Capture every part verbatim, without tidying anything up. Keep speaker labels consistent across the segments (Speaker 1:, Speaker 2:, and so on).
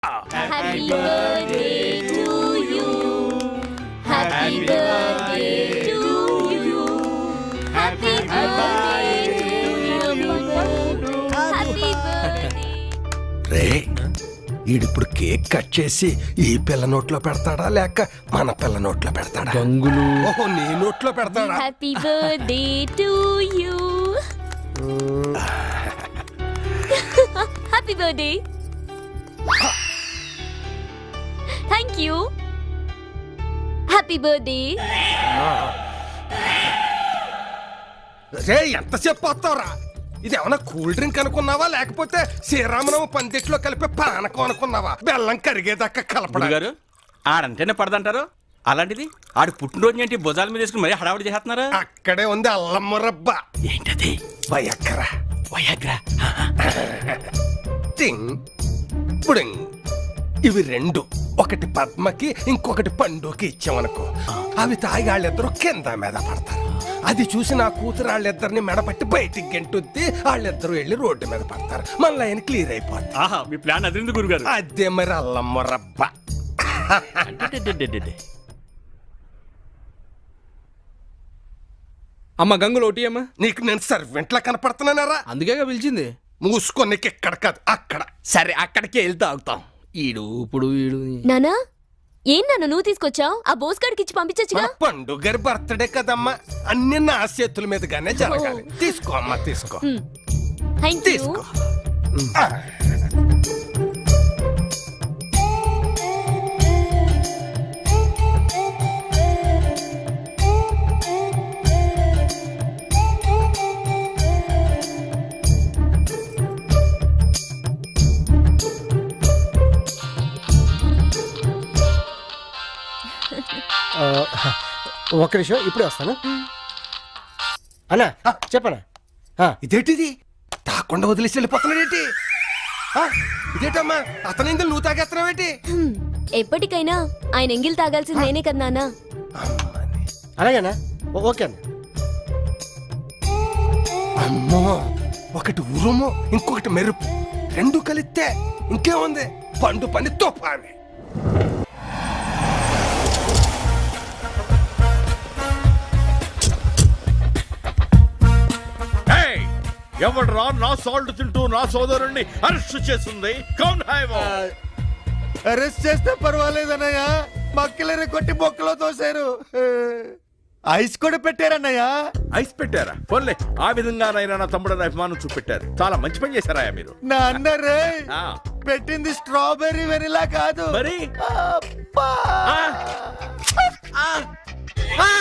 Speaker 1: Happy birthday to you. Happy birthday to you. Happy birthday to you. Happy birthday.
Speaker 2: రే ఈడిప్పుడు cake cut చేసి ఈ పిల్ల నోట్లో పెడతాడా లేక మన పిల్ల నోట్లో పెడతాడా?
Speaker 3: గంగులు
Speaker 2: ఓహో నీ నోట్లో పెడతాడా?
Speaker 1: Happy birthday to you. Happy birthday. Thank you. Happy birthday.
Speaker 2: రే ఎంతసేపు వస్తావురా? ఇది ఏమన్నా కూల్ డ్రింక్ అనుకున్నావా లేకపోతే శ్రీరామనవ పందిట్లో కలిపే పానకం అనుకున్నావా? బెల్లం కరిగేదాకా కలపడా
Speaker 4: గారు ఆడంటేనే పడదంటారు, అలాంటిది ఆడు పుట్టినరోజు ఏంటి భుజాల మీద వేసుకుని మరీ హడావుడి చేస్తున్నారా?
Speaker 2: అక్కడే ఉంది అల్లం మురబ్బా.
Speaker 4: ఏంటది?
Speaker 2: వయక్కరా
Speaker 4: వయాగ్రా.
Speaker 2: టింగ్ పుడింగ్. ఇవి రెండు, ఒకటి పద్మకి ఇంకొకటి పండుకి ఇచ్చామనుకో, అవి తాగి వాళ్ళిద్దరూ కింద మీద పడతారు. అది చూసి నా కూతురు వాళ్ళిద్దరిని మెడపట్టి బయటికి గెంటుద్ది, వాళ్ళిద్దరూ వెళ్ళి రోడ్డు మీద పడతారు. మళ్ళీ ఆయన క్లియర్ అయిపోతుంది.
Speaker 4: ఆహా, మీ ప్లాన్ అదిరింది గురుగారు.
Speaker 2: అదే మరి అల్లమ్మ రబ్బ.
Speaker 3: అమ్మ గంగులు ఒకటి అమ్మా.
Speaker 2: నీకు నేను సర్వెంట్లా కనపడుతున్నానరా?
Speaker 3: అందుకేగా పిలిచింది.
Speaker 2: మూసుకో, నీకు ఎక్కడ కాదు అక్కడ.
Speaker 4: సరే అక్కడికి వెళ్తా అవుతాం.
Speaker 3: ఈడు ఇప్పుడు ఈడు
Speaker 1: నానా, ఏం నాన్న నువ్వు తీసుకొచ్చావు? ఆ బోస్గాడికి ఇచ్చి పంపించచ్చుగా.
Speaker 2: మన పండు గారి బర్త్డే కదమ్మా, అన్ని నా చేతుల మీదుగానే జరగాలి. తీసుకో అమ్మా, తీసుకో
Speaker 1: థ్యాంక్ యూ.
Speaker 2: తీసుకో.
Speaker 5: ఒక్క నిమిషం, ఇప్పుడే వస్తాను అన్నా. చెప్పనా?
Speaker 2: ఇదేంటిది తాకుండా వదిలేసి వెళ్ళిపోతున్నాడేంటి? ఆ, ఇదేంటమ్మా అతనిందులు నువ్వు తాగేస్తున్నావేంటి?
Speaker 1: హ్మ్, ఎప్పటికైనా ఆయన ఎంగిల్ తాగాల్సింది నేనే కదా నాన్న.
Speaker 5: అలాగేనా? ఓ- ఓకే అన్న.
Speaker 2: అమ్మో, ఒకటి ఉరుము ఇంకొకటి మెరుపు, రెండు కలిస్తే ఇంకేముంది, పండు పని తోపాని.
Speaker 6: ఎవడ్రా నా సాల్ట్ తింటూ నా సోదరుణ్ణి అరెస్ట్ చేస్తుంది? కౌన్ హై వో?
Speaker 7: అరెస్ట్ చేస్తే పర్వాలేదన్నయ్య, మక్కలరి కొట్టి బొక్కలో తోసారు. ఐస్ కూడా పెట్టారన్నయ్య.
Speaker 6: ఐస్ పెట్టారా? పోన్లే, ఆ విధంగానైనా నా తమ్ముడని అభిమానం చూపెట్టారు. చాలా మంచి పని చేశారా మీరు.
Speaker 7: నా అన్నరే
Speaker 6: ఆ,
Speaker 7: పెట్టింది స్ట్రాబెర్రీ వెనిలా కాదు.
Speaker 6: మరి
Speaker 7: అబ్బా!
Speaker 6: ఆ, ఆ, ఆ!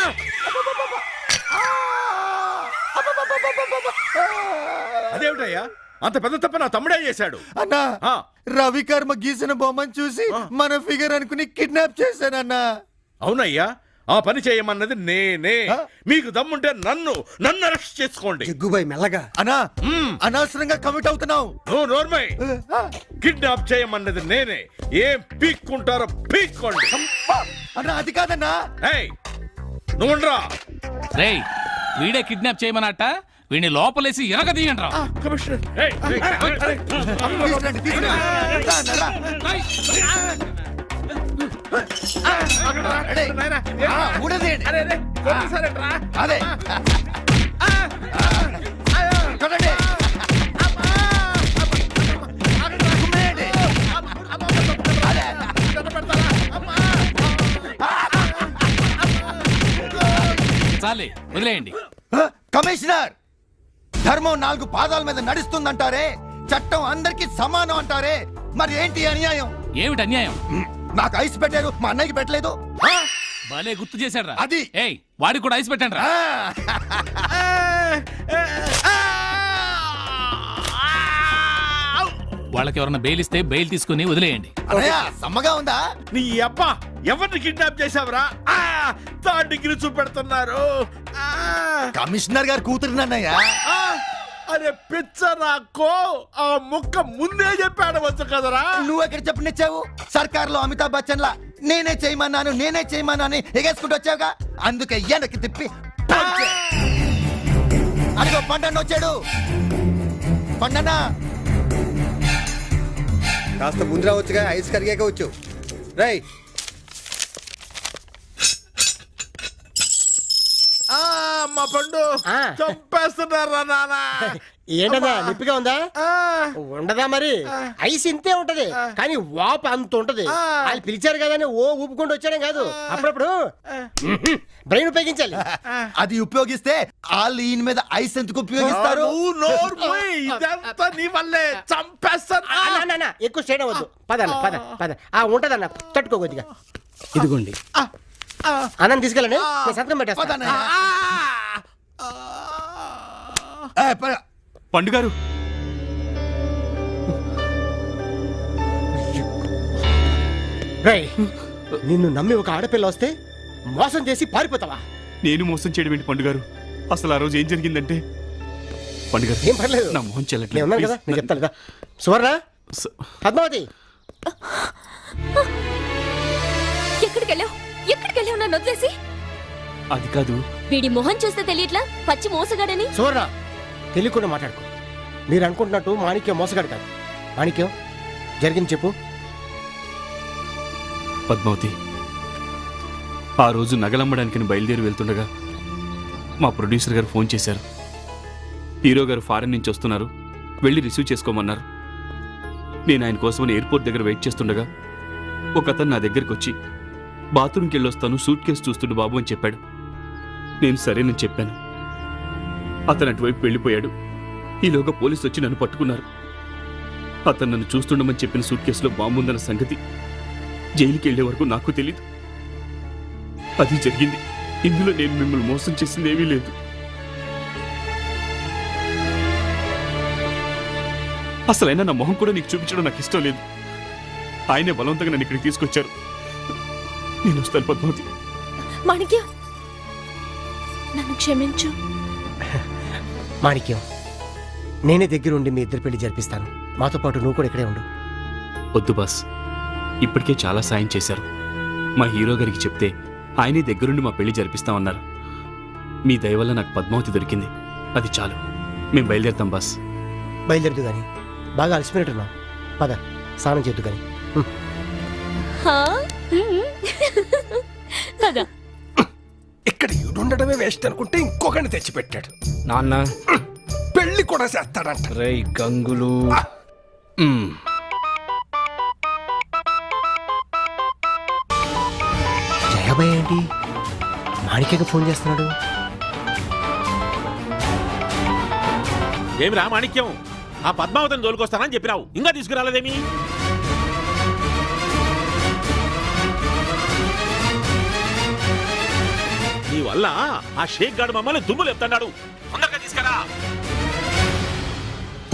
Speaker 6: అదేమిటయ్యా, అంత పెద్ద తప్ప నా తమ్ముడే చేశాడు.
Speaker 7: అన్నా,
Speaker 6: ఆ.
Speaker 7: రవికర్మ గీసిన బొమ్మను చూసి మన ఫిగర్ అనుకుని కిడ్నాప్ చేశానన్నా.
Speaker 6: అవునయ్యా, ఆ పని చేయమన్నది నేనే. మీకు దమ్ముంటే నన్ను నన్ను అరెస్ట్ చేసుకోండి.
Speaker 5: జగ్గుబాయ్ మెల్లగా.
Speaker 7: అన్నా,
Speaker 6: మ్మ్.
Speaker 7: అనవసరంగా కమిట్ అవుతున్నావు.
Speaker 6: నో నోర్మై, కిడ్నాప్ చేయమన్నది నేనే. ఏం పీక్కుంటారో పీక్కోండి.
Speaker 7: అన్నా, అది కాదన్నా.
Speaker 6: ఏయ్, నువ్వుండ్రా.
Speaker 8: రేయ్, వీడే కిడ్నాప్ చేయమన్నట్ట, వీడిని లోపలేసి ఎనక తీయండి రా.
Speaker 6: కమిషనర్, ఏయ్, ఏయ్, ఏయ్, ఏయ్.
Speaker 7: తీసుకురండి, తీసుకురండి. రా, రా, రా. రెడీ. ఆ, ఊడదీయండి. అదే కొట్టండి. కుమ్మేయండి. అదే.
Speaker 8: చాలే, వదిలేయండి.
Speaker 7: ఆ, కమిషనర్, ధర్మం నాలుగు పాదాల మీద నడుస్తుందంటారే, చట్టం అందరికి సమానం అంటారే, మరి ఏంటి అన్యాయం?
Speaker 8: ఏమిటి అన్యాయం?
Speaker 7: నాకు ఐస్ పెట్టారు, మా అన్నయ్యకి పెట్టలేదు. ఆ,
Speaker 8: భలే గుర్తు చేశాడు రా.
Speaker 7: అది.
Speaker 8: ఏయ్, వాడికి కూడా ఐస్ పెట్టండి రా.
Speaker 7: ఆ.
Speaker 8: వాళ్ళకి ఎవరన్నా బెయిల్ ఇస్తే బెయిల్ తీసుకుని వదిలేయండి.
Speaker 7: అన్నయ్య, సమ్మగా ఉందా?
Speaker 6: నీ అబ్బా, ఎవరిని కిడ్నాప్ చేశావురా? ఆ, థర్డ్ డిగ్రీ చూపెడుతున్నారు. ఆ,
Speaker 7: కమిషనర్ గారు కూతురునన్నయ్య.
Speaker 6: ఆ, అరే పిచ్చ నాకో, ఆ ముక్క ముందే చెప్పాడవచ్చు కదరా.
Speaker 7: నువ్వు ఎక్కడ చెప్పనిచ్చావు? సర్కార్ లో అమితాబ్ బచ్చన్ లా నేనే చేయమన్నాను నేనే చేయమన్నాను ఎగేసుకుంటూ వచ్చావుగా, అందుకే వెనక్కి తిప్పి పంచే. అదిగో పండన్న వచ్చాడు. పండన్న
Speaker 5: కాస్త ముందు రావచ్చుగా ఐస్ కరిగాక వచ్చు రై
Speaker 6: ఆ, మా పండు
Speaker 5: ఆ.
Speaker 6: చంపేస్తున్నారా నానా
Speaker 5: ఏంటన్నా నిప్పిగా ఉందా ఉండదా మరి ఐస్ ఇంతే ఉంటది కానీ వాపు అంత ఉంటది వాళ్ళు పిలిచారు కదా అని ఓ ఊపుకుంటూ వచ్చాడం కాదు అప్పుడప్పుడు బ్రెయిన్ ఉపయోగించాలి
Speaker 7: అది ఉపయోగిస్తే వాళ్ళు ఈయన మీద ఐస్ ఎందుకు ఉపయోగిస్తారు
Speaker 6: నువ్వు నోరు మూయ్. ఇదంతా నీ వల్లే చంపేస్తాను
Speaker 5: ఆ, నా, నా, నా, ఎక్కువ స్ట్రైన్ అవ్వద్దు పదన్న పద పద ఆ ఉంటదన్న తట్టుకో కొద్దిగా
Speaker 3: ఇదిగోండి
Speaker 5: అన్నం తీసుకెళ్ళండి నేను సంతకం పెట్టేస్తా
Speaker 7: పదన్నయ్య. ఏ, పద.
Speaker 4: పండుగారు
Speaker 5: రేయ్, నిన్ను నమ్మి ఒక ఆడపిల్ల వస్తే మోసం చేసి పారిపోతావా
Speaker 4: నేను మోసం చేయడం ఏంటి పండుగారు? అసలు ఆ రోజు ఏం జరిగిందంటే పండుగారు
Speaker 5: ఏం పర్లేదు
Speaker 4: నా మొహం
Speaker 5: నేను ఉన్నాను కదా నేను చెప్తాను కదా సువర్ణ పద్మావతి
Speaker 1: ఎక్కడికి వెళ్ళావు ఎక్కడికి వెళ్ళావు నన్ను వదిలేసి?
Speaker 4: అది కాదు.
Speaker 1: వీడి మొహం చూస్తే తెలియట్లా పచ్చి మోసగాడని.
Speaker 5: సువర్ణ తెలియకుండా మాట్లాడుకో మీరు అనుకుంటున్నట్టు మాణిక్యం మోసగాడు కాదు మాణిక్యం జరిగింది చెప్పు
Speaker 4: పద్మావతి, ఆ రోజు నగలమ్మడానికి బయలుదేరి వెళ్తుండగా మా ప్రొడ్యూసర్ గారు ఫోన్ చేశారు. హీరో గారు ఫారెన్ నుంచి వస్తున్నారు, వెళ్ళి రిసీవ్ చేసుకోమన్నారు. నేను ఆయన కోసమని ఎయిర్పోర్ట్ దగ్గర వెయిట్ చేస్తుండగా ఒక అతను నా దగ్గరికి వచ్చి బాత్రూమ్కి వెళ్ళొస్తాను, సూట్ కేసు చూస్తుండు బాబు అని చెప్పాడు. నేను సరేనని చెప్పాను. అతను అటువైపు వెళ్ళిపోయాడు. ఈలోగా పోలీసు వచ్చి నన్ను పట్టుకున్నారు. అతను నన్ను చూస్తుండమని చెప్పిన సూట్ కేసులో బాంబు ఉందన్న సంగతి జైలుకి వెళ్లే వరకు నాకు తెలీదు. అది జరిగింది. ఇందులో నేను మిమ్మల్ని మోసం చేసింది ఏమీ లేదు. అసలైనా నా మొహం కూడా నీకు చూపించడం నాకు ఇష్టం లేదు. ఆయనే బలవంతంగా నన్ను ఇక్కడికి తీసుకొచ్చారు. నేను వస్తాను పద్మావతి.
Speaker 1: మాణిక్యం నన్ను క్షమించు.
Speaker 5: మాణిక్యం నేనే దగ్గరుండి మీ ఇద్దరు పెళ్లి జరిపిస్తాను మాతో పాటు నువ్వు కూడా ఇక్కడే ఉండు
Speaker 4: వద్దు బాస్, ఇప్పటికే చాలా సాయం చేశారు. మా హీరో గారికి చెప్తే ఆయనే దగ్గరుండి మా పెళ్లి జరిపిస్తామన్నారు. మీ దయ వల్ల నాకు పద్మావతి దొరికింది, అది చాలు. మేము బయలుదేరుతాం బాస్.
Speaker 5: బయలుదేరదు కానీ బాగా అలసిపోయినట్టున్నావు పద స్నానం చేద్దు కానీ
Speaker 1: హా? హ్మ్. పద.
Speaker 2: ఇక్కడ ఈడుండడమే వేస్ట్ అనుకుంటే ఇంకొకరిని తెచ్చిపెట్టాడు.
Speaker 3: నాన్న
Speaker 2: పెళ్లి కూడా చేస్తాడంట.
Speaker 3: రై గంగులు
Speaker 2: మ్.
Speaker 5: జయాబాయ్ ఏంటి మాణిక్యకి ఫోన్ చేస్తున్నాడు
Speaker 6: ఏమి రా మాణిక్యం, ఆ పద్మావతిని తోలుకొస్తానని చెప్పినావు, ఇంకా తీసుకురాలేదేమి? నీ వల్ల ఆ షేక్ గాడు మమ్మల్ని దుమ్ములు ఎత్తాడు. తొందరగా తీసుకురా.